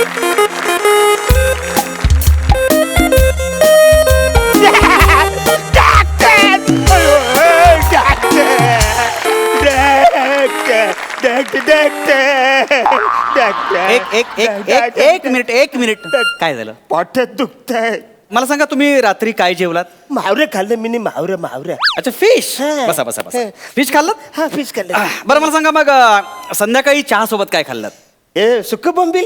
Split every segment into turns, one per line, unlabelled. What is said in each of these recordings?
एक मिनिट काय झालं?
पोटात दुखतंय.
मला सांगा तुम्ही रात्री काय जेवलात?
मावरे खाल्लं मी मावरे.
अच्छा फिश.
हा.
बसा फिश खाल्लं?
हा फिश खाल्लं.
बरं मला सांगा मग संध्याकाळी चहा सोबत काय खाल्लं?
ए सुक्क बोंबील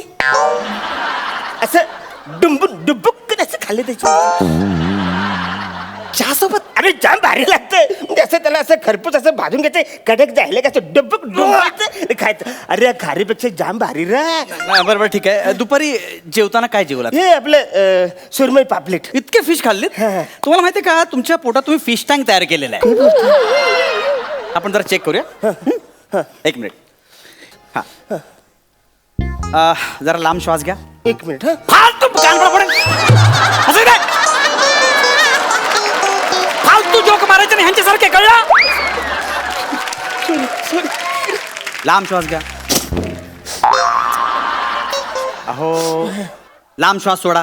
असं डुबुक असं खाल्लं त्याची चहा सोबत. अरे जाम भारी लागतंय. म्हणजे असं त्याला असं खरपूस असं भाजून घ्यायचं, कडक जायला का असं डुबुक खायचं. अरे खारीपेक्षा जाम भारी रा.
बरोबर ठीक आहे. दुपारी जेवताना काय जेवलात?
हे आपलं सुरमई पापलेट.
इतके फिश खाल्लेत?
हा.
तुम्हाला माहितीये का तुमच्या पोटात तुम्ही फिश टँक तयार केलेला आहे. आपण जरा चेक करूया. एक मिनिट. हा जरा लांब श्वास घ्या.
एक मिनिट. हा
फालतू कानफडा पडेल. असं काय फालतू जोक मारायचे नाही ह्यांच्यासारखे, कळलं? लांब श्वास घ्या. अहो लांब श्वास सोडा.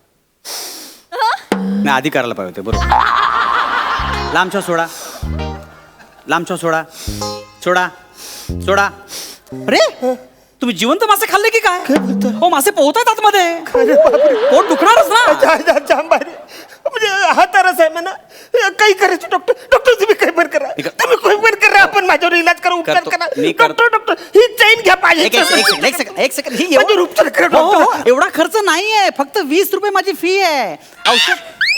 नाही आधी करायला पाहिजे होते. बरोबर. लांब श्वास सोडा. लांब श्वास सोडा. सोडा सोडा. अरे तुम्ही जिवंत मासे खाल्ले की काय? हो मासे पोहतात आतमध्ये. पोट दुखणारच ना.
जाम भारी. म्हणजे हा तरच आहे म्हणा. काही करायचं डॉक्टर तुम्ही काही पण करा. तुम्ही काही पण करा. आपण माझ्यावर इलाज करा, उपचार करा. डॉक्टर ही चैन घ्या पाहिजे.
एक सेकंड ही
उपचार करा
हो,
डॉक्टर.
एवढा खर्च नाहीये. फक्त 20 रुपये माझी फी आहे. औषध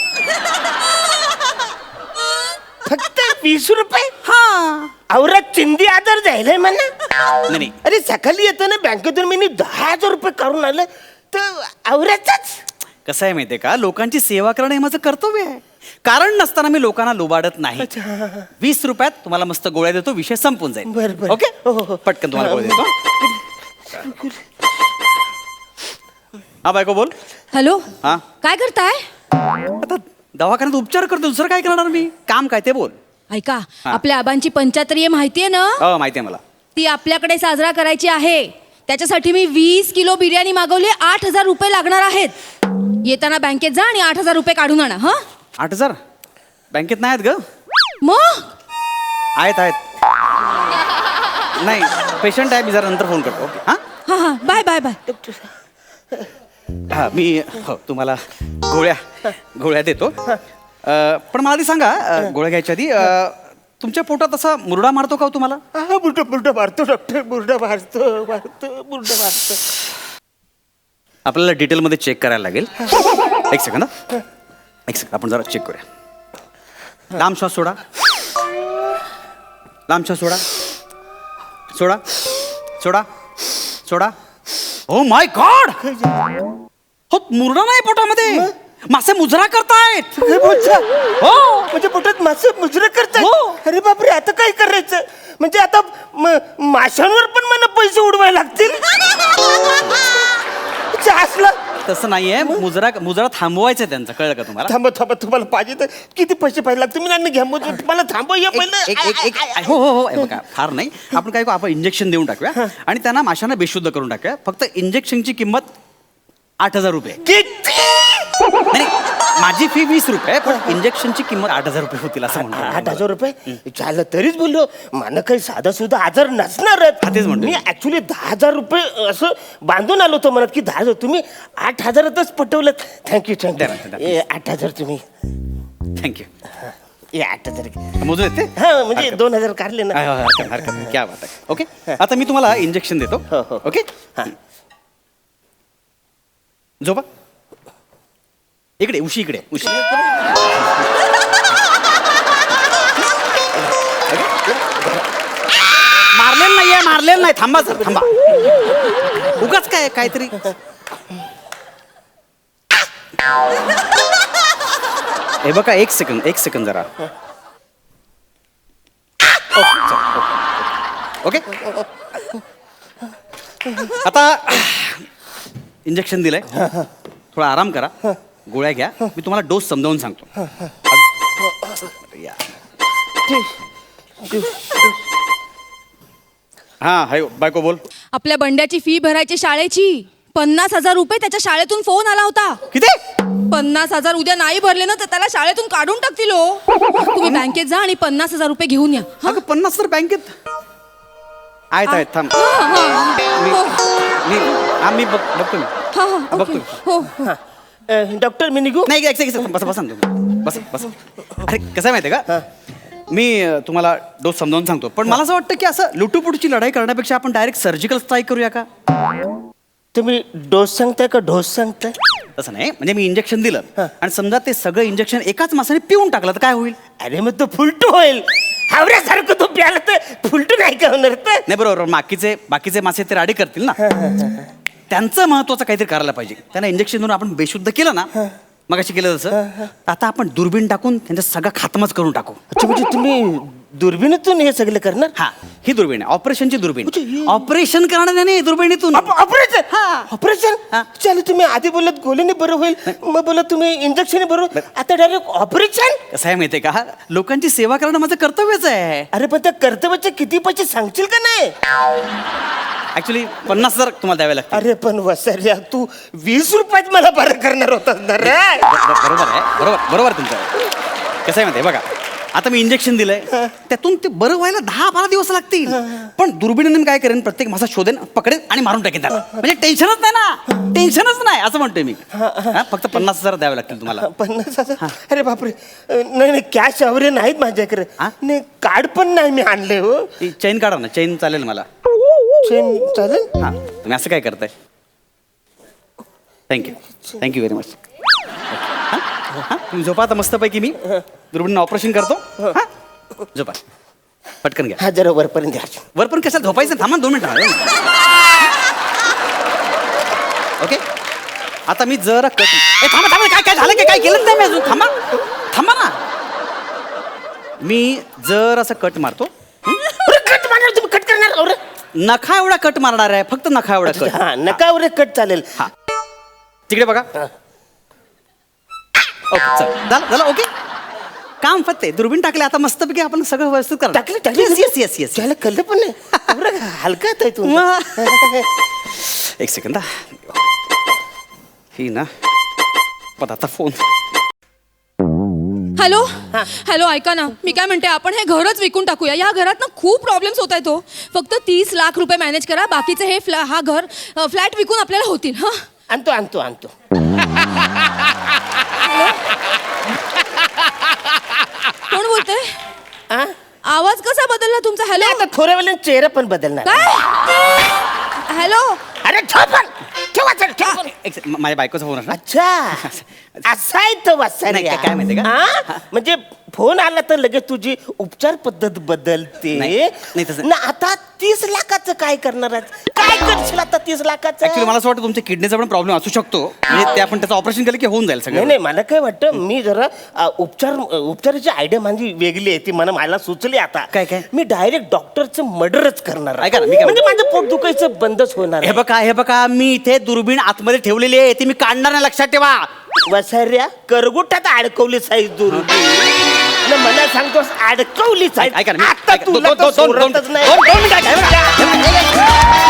फक्त 20 रुपये.
हा
औरात चिंदी आजार जायलाय म्हणा.
नाही
अरे सकाळी येतो ना बँकेतून मी 10,000 रुपये काढून आलं तर औरातच.
कसं आहे माहितीये का, लोकांची सेवा करणं हे माझं कर्तव्य आहे. कारण नसताना मी लोकांना लुबाडत नाही. 20 रुपयात तुम्हाला मस्त गोळ्या देतो, विषय संपून जाईल.
बरं.
ओके
हो.
पटकन तुम्हाला गोळ्या देतो. हा बायको बोल.
हॅलो.
हा
काय करताय?
आता दवाखान्यात उपचार करतो, दुसरं काय करणार मी? काम काय ते बोल.
ऐका, आपल्या आबांची पंचाहत्तरी माहितीये ना?
हो माहिती आहे मला.
ती आपल्याकडे साजरा करायची आहे. त्याच्यासाठी मी 20 किलो बिर्याणी मागवली. 8,000 रुपये लागणार आहेत. येताना बँकेत जा आणि 8,000 रुपये काढून आणा. हा
8,000 बँकेत नाही आहेत ग.
मग
आहेत नाही पेशंट आहे, मी जरा नंतर फोन करतो. ओके हां
हा बाय बाय बाय.
हां मी हो तुम्हाला गोळ्या देतो. पण मला आधी सांगा, गोळ्या घ्यायच्या आधी तुमच्या पोटात असा मुरडा मारतो का हो तुम्हाला?
हा बुरडा मारतो डॉक्टर. बुरडा मारतो.
आपल्याला डिटेलमध्ये चेक करायला लागेल. एक सेकंड आपण जरा चेक करूया. लांब श्वास सोडा. लांब श्वास सोडा. सोडा सोडा सोडा. ओ माय गॉड, हो मुरडा नाही पोटामध्ये, मासे मुजरा करतायत.
हो म्हणजे पोटात मासे मुजरा करतात.
हो.
अरे बापरे, आता काय करायचं? म्हणजे आता माशांवर पण मला पैसे उडवायला लागतील. असला
तसं नाहीये. मुजरा थांबवायचं त्यांचं, कळलं का तुम्हाला?
थांबा तुम्हाला पाहिजे तर किती पैसे पाहिजे लागतील? मी नाही घ्या मला थांबव या पहिलं.
हो हे बघा, फार नाही. आपण काय करू, आपण इंजेक्शन देऊन टाकूया आणि त्यांना माशांना बेशुद्ध करून टाकूया. फक्त इंजेक्शनची किंमत 8,000 रुपये. नाही माझी फी 20 रुपये, पण इंजेक्शनची किंमत 8,000 रुपये होतील असं म्हणतो.
8,000 रुपये झालं तरीच बोललो. मला काही साधा सुद्धा आजार नसणारच.
तेच म्हणतो
मी ऍक्च्युली 10,000 रुपये असं बांधून आलो होतो मनात की 10,000. तुम्ही 8,000च पटवलं. थँक्यू. 8,000 तुम्ही.
थँक्यू.
8,000
मोजू येते.
हा म्हणजे 2,000 काढले ना.
हरकत नाही. क्या बात आहे. ओके आता मी तुम्हाला इंजेक्शन देतो.
हो.
ओके झोपा. इकडे उशी मारलेलं नाही. थांबा उगाच काहीतरी. हे बघा एक सेकंद जरा. ओके आता इंजेक्शन दिलंय, थोडा आराम करा, गोळ्या घ्या. मी तुम्हाला डोस समजावून सांगतो. हा हाय बायको बोल.
आपल्या बंड्याची फी भरायची शाळेची. 50,000 रुपये त्याच्या शाळेतून फोन आला होता.
किती?
50,000 उद्या नाही भरले ना तर त्याला शाळेतून काढून टाकतील हो. तुम्ही बँकेत जा आणि 50,000 रुपये घेऊन या.
अगं 50 तर बँकेत आहेत थांब. मी बघतो मी. बघतो.
हो
डॉक्टर मी निघू?
नाही बस बस बस बस. अरे कसं आहे माहिती आहे का, मी तुम्हाला डोस समजावून सांगतो, पण मला असं वाटतं की असं लुटूपुटूची लढाई करण्यापेक्षा आपण डायरेक्ट सर्जिकल स्ट्राईक करूया का?
तुम्ही डोस सांगताय का ढोस सांगताय?
तसं नाही, म्हणजे मी इंजेक्शन दिलं आणि समजा ते सगळं इंजेक्शन एकाच माणसाने पिऊन टाकलं तर काय होईल?
अरे मग तो फुलटू होईल. हावऱ्यासारखं तो प्याला तर फुलटू नाही का होणार तर?
नाही बरोबर, बाकीचे मासे ते राडी करतील ना. त्यांचं महत्वाचं काहीतरी करायला पाहिजे. त्यांना इंजेक्शन देऊन आपण बेशुद्ध केलं ना, मग अशी केलं तसं, आता आपण दुर्बीण टाकून त्यांचा सगळा खात्माच करून टाकू.
अच्छा, म्हणजे तुम्ही दुर्बिणीतून हे सगळं करणार?
हा, ही दुर्बीण आहे, ऑपरेशनची दुर्बीण.
म्हणजे ही-
ऑपरेशन करणार नाही दुर्बिणीतून.
ऑपरेशन?
हा.
ऑपरेशन?
हा.
चल, तुम्ही आधी बोलत गोलीने बरं होईल, मग बोलत तुम्ही इंजेक्शन बरोबर, आता डायरेक्ट ऑपरेशन?
कसं आहे माहितीये का, लोकांची सेवा करणं माझं कर्तव्यच आहे.
अरे पण त्या कर्तव्याचे किती पैसे सांगशील का नाही?
ऍक्च्युली 50,000 तुम्हाला द्यावे लागतील.
अरे पण वसर्या, तू 20 रुपयात मला बरं करणार होतास ना रे?
बरोबर आहे, बरोबर तुमचं. कसं आहे माहितीये बघा, आता मी इंजेक्शन दिलंय, त्यातून ते बरं व्हायला 10-12 दिवस लागतील. पण दुर्बिणीने मी काय करेन, प्रत्येक मासा शोधेन, पकडेन आणि मारून टाकेन त्याला. म्हणजे टेन्शनच नाही ना, टेन्शनच नाही असं म्हणतोय मी. फक्त 50,000 द्यावे लागतील तुम्हाला.
50,000? अरे बापरे, नाही कॅश वगैरे नाहीत माझ्याकडे.
हा?
नाही, कार्ड पण नाही मी आणले हो.
चेन काढा ना, चेन चालेल मला.
चेन चालेल?
हा, तुम्ही असं काय करताय? Thank you very much. तुम्ही झोपा आता मस्तपैकी, मी दुर्बिणीनं ऑपरेशन करतो. हा, झोपा पटकन घ्या.
हा, जरा वरपर्यंत द्या.
वर पण कशाला झोपायचं, थांबा 2 मिनिटं. ओके, आता मी जरा थांबा काय झालं की काय केलं नाही मी अजून. थांबा ना, मी जर असं कट मारतो.
कट मारणार तुम्ही? कट करणार? अरे
नखा एवढा कट मारणार आहे, फक्त नखा एवढा कट.
हा, नका वगैरे कट चालेल.
हा, तिकडे बघा. ओके, चल झालं. ओके, काम फत्ते. दुर्बीण टाकले, आता मस्तपैकी आपण सगळं व्यवस्थित करा.
टाकले
येस.
त्याला कळलं पण नाही. एवढं हलका आहे तू.
एक सेकंद. ही ना, पण आता फोन.
हॅलो ऐका ना, मी काय म्हणते, आपण हे घरच विकून टाकूया. या घरात ना खूप प्रॉब्लेम्स होत आहेत. फक्त 30 लाख रुपये मॅनेज करा, बाकीचे हे फ्लॅट विकून आपल्याला होतील. हा,
आणतो.
कोण बोलतंय?
हा?
आवाज कसा बदलला तुमचा? हॅलो,
आता थोड्या वेळाने चेहरा पण बदलणार.
काय? हॅलो,
अरे ठेवा.
माझ्या बायकोचा फोन असणार.
अच्छा, असा आहे तो वसर्या.
नाही, काय माहिती का?
हा? म्हणजे फोन आला तर लगेच तुझी उपचार पद्धत बदलते.
नाही, तसं-
ना, आता 30 लाखाचं काय करणार आहेस? काय करशील आता 30 लाखाचं?
ऍक्च्युली मला असं वाटतं तुमच्या किडनीचा पण प्रॉब्लेम असू शकतो. म्हणजे ते आपण त्याचं ऑपरेशन केलं की होऊन जाईल सगळं.
नाही, मला काय वाटतं, मी जरा उपचाराची आयडिया माझी वेगळी आहे, ती मला सुचली आता.
काय?
मी डायरेक्ट डॉक्टरचं मर्डरच करणार आहे.
ऐका ना, मी काय
म्हणजे माझं पोट दुखायचं बंदच होणार
हे बघा, मी इथे दुर्बीण आतमध्ये ठेवलेली आहे, ती मी काढणार नाही, लक्षात ठेवा.
वसर्या, करगुटात अडकवली साईज दुर्बीण. मला सांगतोस अडकवली साईज.
ऐका ना,
आता तुला तर सोडतच नाही.
दोन मिनिटं.